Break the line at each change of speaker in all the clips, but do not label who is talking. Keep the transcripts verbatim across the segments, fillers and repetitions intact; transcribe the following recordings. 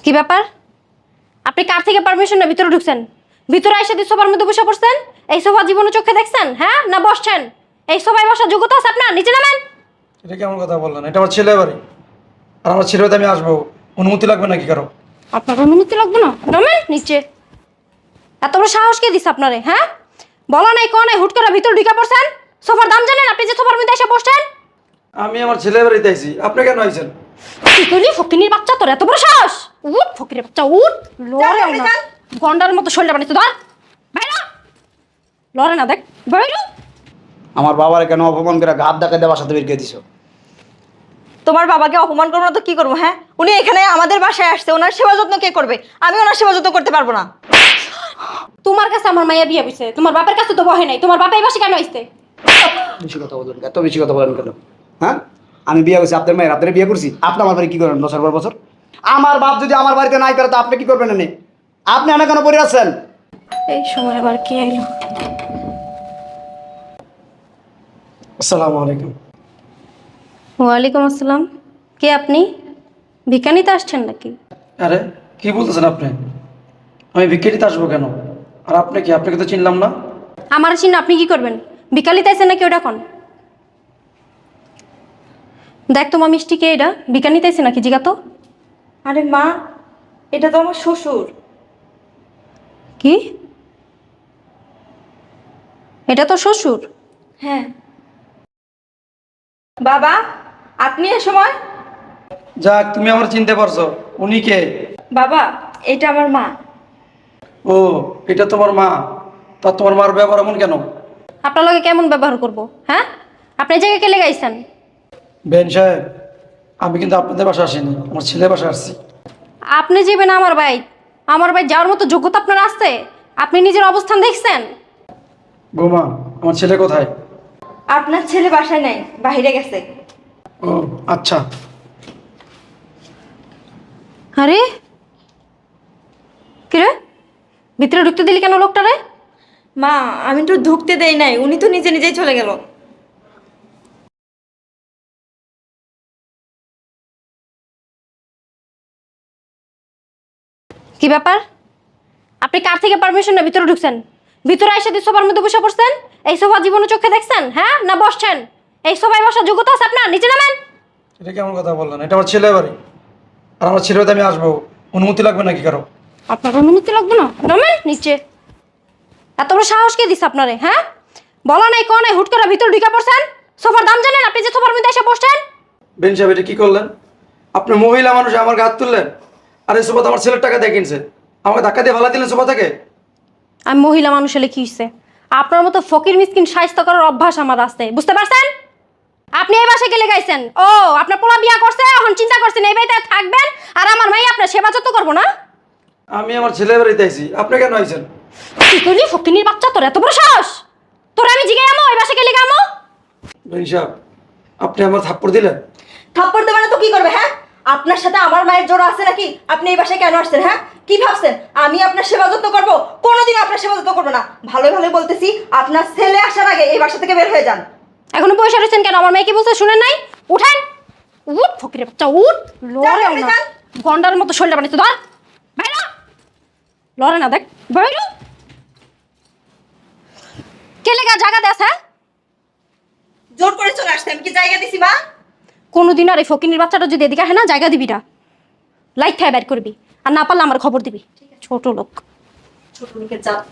কি ব্যাপার? আপনি কার থেকে পারমিশন না ভিতরে ঢুকছেন? ভিতরে এসে দিয়ে সোফার মধ্যে বসে পড়ছেন? এই সোফা জীবনে চোখে দেখছেন? হ্যাঁ, না বসছেন? এই সোফায় বসার যোগ্যতা আছে আপনার? নিচে নামেন।
এটা কেমন কথা বললেন? এটা আমার ছেলে বাড়ি, আর আমার ছেলে বাড়িতে আমি আসবো, অনুমতি লাগবে নাকি কারো?
আপনার অনুমতি লাগবে না? নামেন নিচে। এত বড় সাহস কে দিছে আপনারে? হ্যাঁ, বলা নাই কোন নাই, হুট করে ভিতরে ঢুকে পড়ছেন। সোফার দাম জানেন আপনি যে সোফার মধ্যে এসে বসছেন?
আমি আমার ছেলে বাড়িতে আইছি, আপনি কেন আইছেন?
কি করলি ফকিনির বাচ্চা, তোর এত বড় সাহস? উঠ ফকিরের বাচ্চা উঠ। লড়ে না, গন্ডার মতো শরীরটা বানিয়েছে। ধর বাইরে, লড়ে না, দেখ বাইরে।
আমার বাবার কেন অপমান করে ঘাত ডাকা দেওয়ার সাথে বের করে দিছো?
তোমার বাবাকে অপমান করবো না তো কি করবো? হ্যাঁ, উনি এখানে আমাদের বাসায় আসছে, ওনার সেবা যত্ন কে করবে? আমি ওনার সেবা যত্ন করতে পারবো না।
তোমার কাছে আমার মাইয়া বিয়ে হইছে, তোমার বাপের কাছে তো বহে নাই। তোমার বাপা এই বাসে কেন আইছে?
বেশি কথা বলেন, এত বেশি কথা বলেন কেন? হ্যাঁ, আমি বিয়ে করছি আপনার মায়ের, আপনার বিয়ে করছি, আপনি আমার বাড়ি কি করেন বছর পর বছর? আমার বাপ যদি আমার বাড়িতে নাই করে তো আপনি কি করবেন? এনে আপনি এনে কেন পড়ে আছেন?
এই সময় আবার কে আইলো?
আসসালামু আলাইকুম।
ওয়ালাইকুম আসসালাম। কে আপনি? ভিক্ষা নিতে আসছেন নাকি?
আরে কি বলতেছেন আপনি? আমি ভিক্ষাটিতে আসবো কেন? আর আপনি কি? আপনাকে তো চিনলাম না।
আমার চিন্তা আপনি কি করবেন? ভিক্ষা নিতে আইছেন নাকি? ওটা কোন? দেখ তোমার মিষ্টি কে এটা? ভিক্ষা নিতে আইছে নাকি জিগা তো?
আরে মা, এটা তো আমার শ্বশুর।
কি? এটা তো শ্বশুর?
হ্যাঁ। বাবা, আপনি এ সময়?
যাক, তুমি আমার চিনতে পারছো। উনি কে?
বাবা, এটা আমার মা।
ও, এটা তোমার মা? তা তোমার মার ব্যবহার এমন কেন?
আপনার লগে কেমন ব্যবহার করব? হ্যাঁ, আপনি এই জায়গায় কে লেগে আইছেন?
বেন সাহেব, আমি কিন্তু আপনাদের বাসা আসিনি, আমার ছেলে বাসা আসছি।
আপনি যাবেন আমার ভাই? আমার ভাই যাওয়ার মতো যোগ্যতা আপনার আছে? আপনি নিজের অবস্থান দেখছেন?
বৌমা, আমার ছেলে কোথায়?
আপনার ছেলে বাসায় নাই, বাইরে গেছে।
ও আচ্ছা।
আরে কিরে, ভিতরে ঢুকতে দিলি কেন লোকটারে?
মা, আমি তো ঢুকতে দেই নাই, উনি তো নিজে নিজেই চলে গেল।
কি ব্যাপার? আপনি কার থেকে পারমিশন না ভিতরে ঢুকছেন? ভিতরে এসে দিয়ে সোফার মধ্যে বসে পড়ছেন? এই সোফা জীবনে চোখে দেখছেন? হ্যাঁ, না বসছেন? এই সোফায় বসার যোগ্যতা আছে আপনার? নিচে নামেন।
এটা কেমন কথা বললেন? এটা আমার ছেলে বাড়ি, আর আমার ছেলে বাড়িতে আমি আসবো, অনুমতি লাগবে নাকি কারো?
আপনার অনুমতি লাগবে না? নামেন নিচে। এত বড় সাহস কে দিছে আপনারে? হ্যাঁ, বলা নাই কোন নাই, হুট করে ভিতরে ঢুকে পড়ছেন। সোফার দাম জানেন আপনি যে সোফার মধ্যে এসে বসছেন?
বেন সাহেব, এটা কি করলেন? আপনি মহিলা মানুষ, আমার হাত তুললেন। আর এই সোফা তো আমার ছেলের টাকা দিয়ে কিনছে, আমাকে ধাক্কা দিয়ে ভালা দিলেন সোফা থেকে।
আমি মহিলা মানুষ হলে কি হইছে? আপনার মতো ফকির মিসকিন শায়েস্তা করার অভ্যাস আমার আছে, বুঝতে পারছেন? আপনি এই বাসায় গেলে গাইছেন? ও, আপনার পোলা বিয়া করছে, এখন চিন্তা করছেন এই বাড়িতে থাকবেন আর আমার মাই আপনার সেবা যত্ন করবো না?
আমি আমার ছেলে বাড়িতে আইছি, আপনি কেন আইছেন?
কি করলি ফকিনির বাচ্চা, তোর এত বড় সাহস? তোর আমি জিগাই আমো এই বাসায় গেলে গামো?
বেন সাহেব, আপনি আমার থাপ্পড় দিলেন।
থাপ্পড় দেবে না তো কি করবে? হ্যাঁ, আপনার সাথে আমার মায়ের জোড়া আছে নাকি? আপনি এই বাসায় কেন আসছেন? হ্যাঁ, কি ভাবছেন আমি আপনার সেবা যত্ন করবো? কোনোদিন আপনার সেবা যত্ন করবো না। ভালো ভালো বলতেছি, আপনার ছেলে আসার আগে এই বাসা থেকে বের হয়ে যান।
এখনো পয়সা রয়েছেন কেন? আমার মেয়ে কি বলছে শুনেন নাই? উঠেন, উঠ ফকিরের বাচ্চা উঠ। লড়ে
আপনি
না,
যান।
গন্ডার মতো শরীরটা বানিয়েছে। ধর বাইরে, লড়ে না, দেখ বাইরে। কে লেগা জায়গা দেস? হ্যাঁ,
জোর করে চলে আসছে, আমি কি জায়গা দিছি মা?
কোনোদিন আর এই ফকিনির বাচ্চাটা যদি এদিকে আসে না, জায়গা দিবি না, লাইট খায় বের করবি, আর না পারলে আমার খবর দিবি। ছোট লোক।
ছোট লোকের জাত।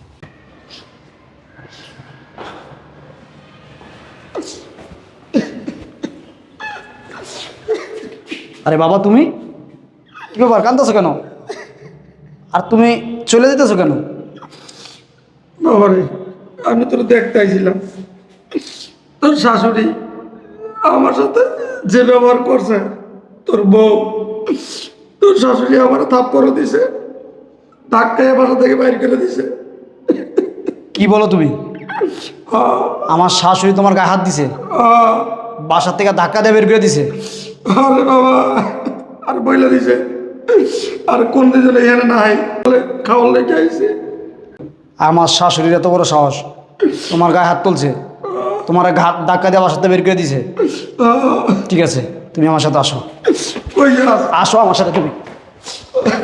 আরে বাবা, তুমি কি ব্যাপার, কাঁদতেছো কেন? আর তুমি চলে যেতেছো কেন?
বাবারে, আমি তোর দেখতে আইছিলাম, তোর শাশুড়ি আমার সাথে যে ব্যবহার করছে, তোর বউ, তোর শাশুড়ি আমার থাপ্পড় দিছে, ধাক্কায় বাসা থেকে বাইর করে দিছে।
কি বলো তুমি? আমার শাশুড়ি তোমার গায়ে হাত দিছে,
আহ,
বাসার থেকে ধাক্কা দিয়ে বের করে দিছে?
আরে বাবা, আর বইলা দিছে, আর কোন দিন এখানে নাই খাওয়ার লেগে আইছে।
আমার শাশুড়ির এত বড় সাহস, তোমার গায়ে হাত তুলছে, তোমার ঘাত ধাক্কা দিয়ে বাসাতে বের করে দিছে?
আহ,
ঠিক আছে, তুমি আমার সাথে আসো,
কই যাস?
আসো আমার সাথে তুমি।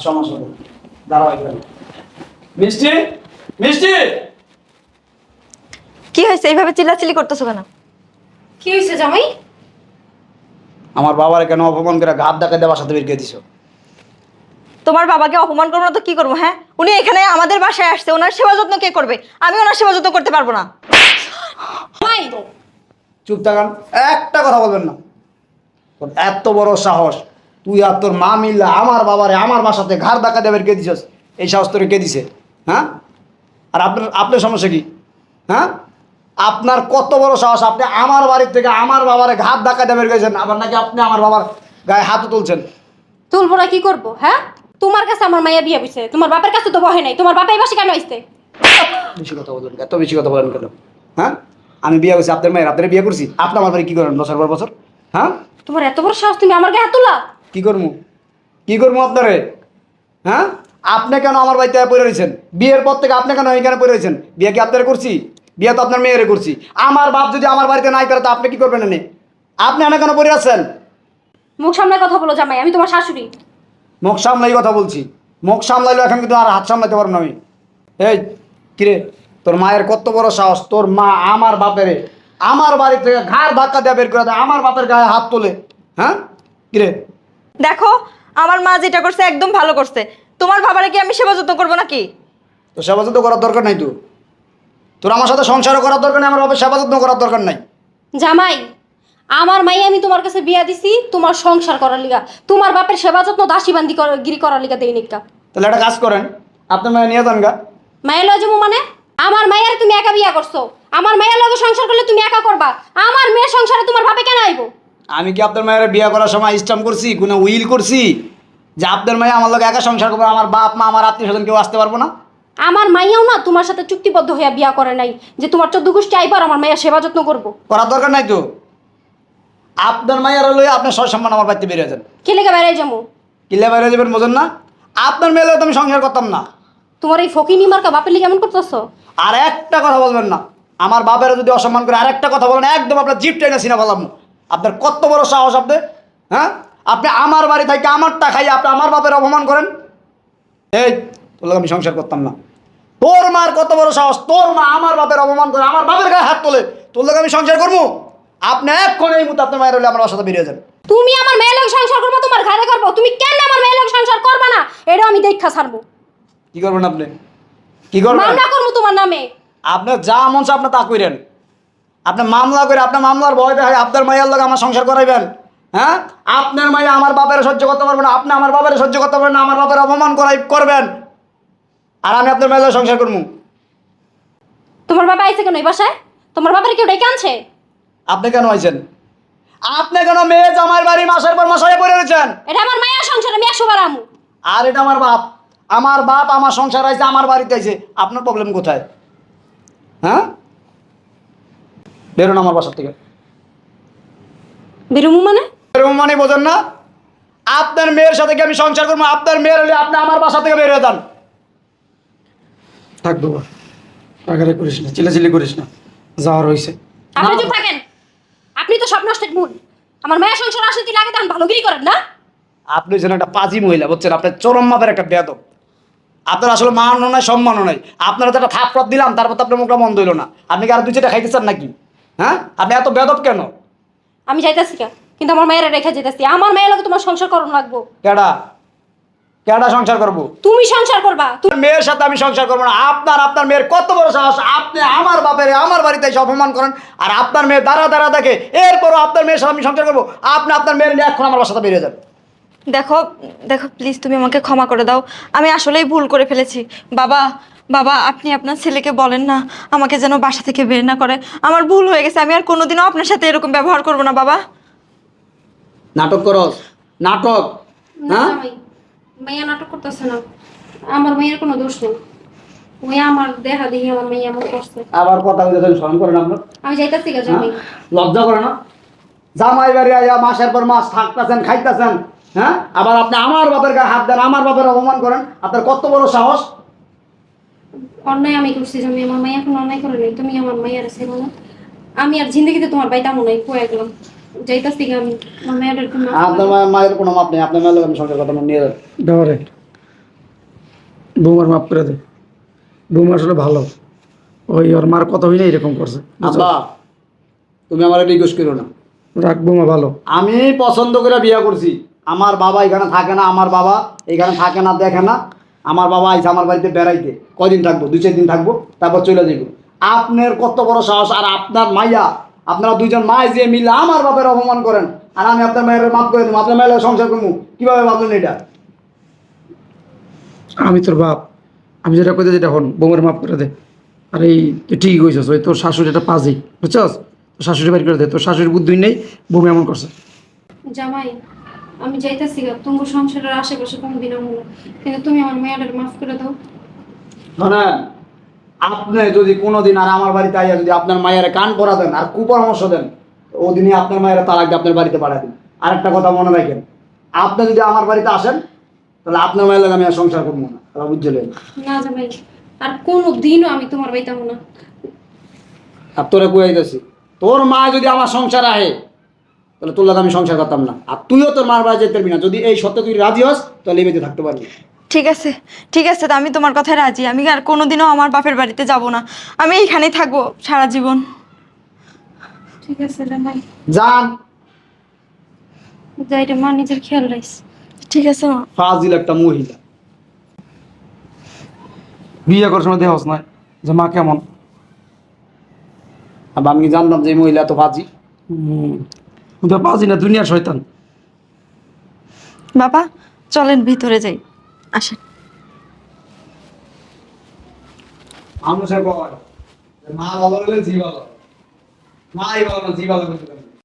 সমস্যা নেই, দাঁড়াও এখানে। মিষ্টি, মিষ্টি।
কি হয়েছে এইভাবে চিল্লাচিল্লি করতেছো কেন?
কি হয়েছে জামাই?
আমার বাবার কেন অপমান করে ঘাত ধাক্কা দিয়ে বাসাতে বের করে দিছো?
তোমার বাবাকে অপমান করবো না তো কি করবো? হ্যাঁ, উনি এখানে আমাদের বাসায় আসছে, ওনার সেবা যত্ন কে করবে? আমি ওনার সেবা যত্ন করতে পারবো না।
জামাই,
চুপ থাকান, একটা কথা বলবেন না। তোর এত বড় সাহস, তুই আর তোর মা মিল্লা আমার বাবারে আমার বাসাতে ঘাড় ধাক্কা দিয়ে বের করে দিছস। এই সাহস তোরে কে দিছে? হ্যাঁ? আর আপনার আপনার সমস্যা কি? হ্যাঁ, আপনার কত বড় সাহস, আপনি আমার বাড়ির থেকে আমার বাবারে ঘাট ধাক্কা দিয়ে বের করেছেন, আবার নাকি আপনি আমার বাবার গায়ে হাতও তুলছেন।
তুলবো না কি করবো? হ্যাঁ, তোমার কাছে আমার মাইয়া বিয়ে হইছে, তোমার বাপের কাছে তো বহে নাই। তোমার বাপা এই বাসে কেন আইছে?
বেশি কথা বলবেন, এত বেশি কথা বলেন কেন? হ্যাঁ, আমি বিয়ে করছি আপনার মায়ের, আপনারা বিয়ে করছি, আপনি আমার বাড়ি কি করেন বছর পর বছর? হ্যাঁ,
তোমার এত বড় সাহস, তুমি আমার গায়ে হাত তোলা?
কি করবো কি করবো আপনারে? হ্যাঁ, আপনি কেন আমার বাড়িতে পড়ে রয়েছেন? বিয়ের পর থেকে আপনি কেন এখানে পড়ে রয়েছেন? বিয়ে কি আপনারা করছি? বিয়ে তো আপনার মেয়েরে করছি। আমার বাপ যদি আমার বাড়িতে নাই করে তো আপনি কি করবেন? এনে আপনি এনে কেন পড়ে আছেন?
মুখ সামনে কথা বলো জামাই, আমি তোমার শাশুড়ি।
মুখ সামলাই কথা বলছি। মুখ সামলাইলো, এখন কিন্তু আর হাত সামলাইতে পারবো না আমি। এই কিরে, তোর মায়ের কত বড় সাহস, তোর মা আমার বাপেরে আমার বাড়ি থেকে ঘাড় ধাক্কা দিয়ে বের করে দেয়, আমার বাপের গায়ে হাত তোলে। হ্যাঁ কিরে?
দেখো, আমার মা যেটা করছে একদম ভালো করছে। তোমার বাবারে কি আমি সেবা যত্ন করবো নাকি?
তো সেবা যত্ন করার দরকার নাই। তো তোর আমার সাথে সংসারও করার দরকার নেই, আমার বাপের সেবা যত্ন করার দরকার নাই।
জামাই, আমার মাই আমি তোমার কাছে বিয়া দিছি তোমার সংসার করার লিগা, তোমার বাপের সেবা যত্ন দাসী বান্দি কর- গিরি করার লিগা দেই নিকা।
তাহলে একটা কাজ করেন, আপনার মেয়ে নিয়ে যান গা।
মায়ের লজু মানে আমার মায়ের তুমি একা বিয়া করছো, আমার মায়ের লগে সংসার করলে তুমি একা করবা, আমার মেয়ের সংসারে তোমার বাপে কেন আইবো?
আমি কি আপনার মায়ের বিয়ে করার সময় স্ট্যাম্প করছি, কোনো উইল করছি যে আপনার মেয়ে আমার লোক একা সংসার করবো, আমার বাপ মা আমার আত্মীয় স্বজন কেউ আসতে পারবো না?
আমার মাইয়াও না তোমার সাথে চুক্তিবদ্ধ হইয়া বিয়া করে নাই যে তোমার চোদ্দ গোষ্ঠী আইবার আমার মাইয়া সেবা যত্ন করবো।
করার দরকার নাই তো। আপনার মায়ের লই আপনার সয় সম্মান আমার বাড়িতে বেরিয়ে যান।
কে লেগে বেড়াই যাবো?
কিলে বাইরে যাবেন বোঝেন না? আপনার মেয়ে লইয়া তো আমি সংসার করতাম না।
তোমার এই ফকিনি মার্কা বাপের লিগে এমন করতেছো?
আর একটা কথা বলবেন না, আমার বাপের যদি অসম্মান করে আর একটা কথা বলেন একদম আপনার জিপ টেনে সিনা ফেলাম। আপনার কত বড় সাহস আপনি? হ্যাঁ, আপনি আমার বাড়ি থেকে আমারটা খাই আপনি আমার বাপের অপমান করেন। এই তোর লোক আমি সংসার করতাম না। তোর মার কত বড় সাহস, তোর মা আমার বাপের অপমান করে আমার বাপের গায়ে হাত তোলে, তোর লোক আমি সংসার করবো? আপনি এক্ষণ এই মুহূর্তে আপনার মায়ের হলে আমার বাসাতে বেরিয়ে যান।
তুমি আমার মেয়ের লগে সংসার করবো, তোমার ঘরে করবো, তুমি কেন আমার মেয়ের লগে সংসার করবা না? এটা আমি দেখা ছাড়বো।
কি করবেন আপনি? কি করবেন?
মামলা করবো তোমার নামে।
আপনার যা মন চায় আপনি তা করেন। আপনি মামলা করে আপনার মামলার ভয় দেখায় আপনার মায়ের লোক আমার সংসার করাইবেন। হ্যাঁ, আপনার মায়ে আমার বাপের সহ্য করতে পারবেন না, আপনি আমার বাপের সহ্য করতে পারবেন না, আমার বাপের অপমান করাই করবেন, আর আমি আপনার মায়ের সংসার করবো।
তোমার বাবা আইছে কেন এই বাসায়? তোমার বাবার কেউ ডেকে আনছে?
আপনি কেন আইছেন? আপনি কেন মেয়ে জামাইয়ের বাড়ি মাসের পর মাস হয়ে পড়ে রয়েছেন?
এটা আমার মায়ের সংসার, আমি একশো বার আমু।
আর এটা আমার বাপ, আমার বাপ আমার সংসার আইছে, আমার বাড়িতে আইছে, আপনার প্রবলেম কোথায়? হ্যাঁ, বেরোন আমার বাসার থেকে।
বেরুমু মানে?
এরকম মানে বোঝেন না? আপনার মেয়ের সাথে কি আমি সংসার করবো? আপনার মেয়ের হলে আপনি আমার বাসা থেকে বের হয়ে যান।
থাক বাবা, রাগারাগি করিস না, চিল্লাচিল্লি করিস না, যাওয়ার হয়েছে।
আপনি চুপ থাকেন, আপনি তো সব নষ্টের মূল। আমার মায়ের সংসার আসলে দিলে আগে তখন ভালোগিরি করেন না?
আপনি যেন একটা পাজি মহিলা, বুঝছেন? আপনার চরম মাপের একটা বেয়াদব। আপনার আসলে মানও নাই সম্মানও নাই। আপনারা তো একটা থাপড়াত দিলাম, তারপর তো আপনার মুখটা মন্দ হইল না। আপনি কি আর দুই চারটা খাইতে চান নাকি? হ্যাঁ, আপনি এত বেয়াদব কেন?
আমি যাইতাছি কা, কিন্তু আমার মায়ের রেখে যেতেছি। আমার মায়ের লগে তোমার সংসার করুন লাগবো।
কেডা কেডা সংসার করবো?
তুমি সংসার করবা।
তোর মেয়ের সাথে আমি সংসার করবো না। আপনার আপনার মেয়ের কত বড় সাহস, আপনি আমার বাপের আমার বাড়িতে এসে অপমান করেন, আর আপনার মেয়ে দাঁড়া দাঁড়া দেখে, এরপরও আপনার মেয়ের সাথে আমি সংসার করবো? আপনি আপনার মেয়ের নিয়ে এখন আমার বাসাতে বেরিয়ে যান।
দেখো দেখো প্লিজ, তুমি আমাকে ক্ষমা করে দাও। আমি আসলেই ভুল করে ফেলেছি। বাবা বাবা, আপনি আপনার ছেলেকে বলেন না আমাকে যেন বাসা থেকে বের না করে। আমার ভুল হয়ে গেছে, আমি আর কোনোদিনও আপনার সাথে এরকম ব্যবহার করব না বাবা।
নাটক করস, নাটক। হ্যাঁ,
মাইয়া নাটক করতেছে না, আমার মাইয়ের কোনো দোষ নেই। ওই আমার দেখা দেখি আমার মাইয়া এমন করছে।
আবার কথা বলতে স্মরণ করেন আপনার?
আমি যাইতাছি গা
হ্যাঁ?
জামাই।
লজ্জা করে না? জামাই বাড়ি আইয়া মাসের পর মাস থাকতেছেন, খাইতেছেন, হ্যাঁ, আবার আপনি আমার বাপের গায়ে হাত দেন, আমার বাপের অপমান করেন। আপনার কত বড় সাহস?
অন্যায় আমি করছি জামাই, আমার মাইয়া কোনো অন্যায় করে নেই। তুমি আমার মাইয়ার ছিল না, আমি আর জিন্দগিতে তোমার বাইতাম নাই, কয়ে গেলাম। যাইতাছি গা আমি, আমার মায়ের একটু মাফ করে
আপনার
দাও।
মায়ের মায়ের কোনো মাপ নেই। আপনার মায়ের লোক আমি সংসার কথা নিয়ে যান।
দেওয়ারে বৌমার মাফ করে দে। বৌমা আসলে ভালো, ওই ওর মার কথা হই না এরকম করছে।
আব্বা তুমি আমার রিকোয়েস্ট করো না।
রাখ, বৌমা ভালো।
আমি পছন্দ করে বিয়ে করছি। আমার বাবা এখানে থাকে না, আমার বাবা এখানে থাকে না, দেখে না। আমার বাবা আইসে আমার বাড়িতে বেড়াইতে, কয়দিন থাকবো? দুই চার দিন থাকবো, তারপর চলে যাবো। আপনার কত বড় সাহস! আর আপনার মাইয়া, আপনারা দুইজন মাই যে মিলে আমার বাপের অপমান করেন, আর আমি আপনার মায়ের মাফ করে দেবো। আপনার মায়ের সংসার করবো কিভাবে ভাবলেন এটা?
আমি তোর বাপ, আমি যেটা কইতে যেটা হন, বৌমার মাফ করে দে। আর এই তুই ঠিকই কইছস, ওই তোর শাশুড়ি একটা পাজি, বুঝছস? তোর শাশুড়ি বাড়ি করে দে, তোর শাশুড়ির বুদ্ধি নেই, বৌমা এমন করছে।
জামাই, আমি যাইতেছি গা, তোমার সংসারের আশেপাশে কোনো দিন আমো না, কিন্তু তুমি আমার মেয়েটার মাফ করে দাও।
শোনেন, আপনি যদি কোনোদিন আর আমার বাড়িতে আইয়া যদি আপনার মায়ের কান পরা দেন আর কুপরামর্শ দেন, ওদিনই আপনার মায়ের তালাক দিয়ে আপনার বাড়িতে পাঠায় দিন। আর একটা কথা মনে রাখেন, আপনি যদি আমার বাড়িতে আসেন তাহলে আপনার মায়ের লাগে আমি আর সংসার করবো না, তারা বুঝলেন?
না জামাই, আর কোনো দিনও আমি তোমার বাড়িতে আমো না।
আর তোরে কুয়াইতেছি, তোর মা যদি আমার সংসার আহে তাহলে তোর লাগে আমি সংসার করতাম না, আর তুইও তোর মার বাড়ি যেতে পারবি না। যদি এই সত্যি তুই রাজি হস তাহলে এই বাড়িতে থাকতে পারবি।
ঠিক আছে, ঠিক আছে, তা আমি তোমার কথায় রাজি। আমি আর কোনোদিনও আমার বাপের বাড়িতে যাব না, আমি এইখানেই থাকবো সারা জীবন।
ঠিক আছে জামাই,
যান।
যাই রে মা, নিজের খেয়াল রাখিস।
ঠিক আছে মা।
ফাজিল একটা মহিলা।
বিয়ে করার সময় দেহস না যে মা কেমন।
আর আমি জানতাম যে এই মহিলা তো ফাজি।
হম, তো পাজি না, দুনিয়ার শয়তান।
বাবা চলেন ভিতরে যাই, আসেন।
মানুষের কয় মা ভালো হলে জি ভালো, মাই ভালো না জি ভালো করতে পারে।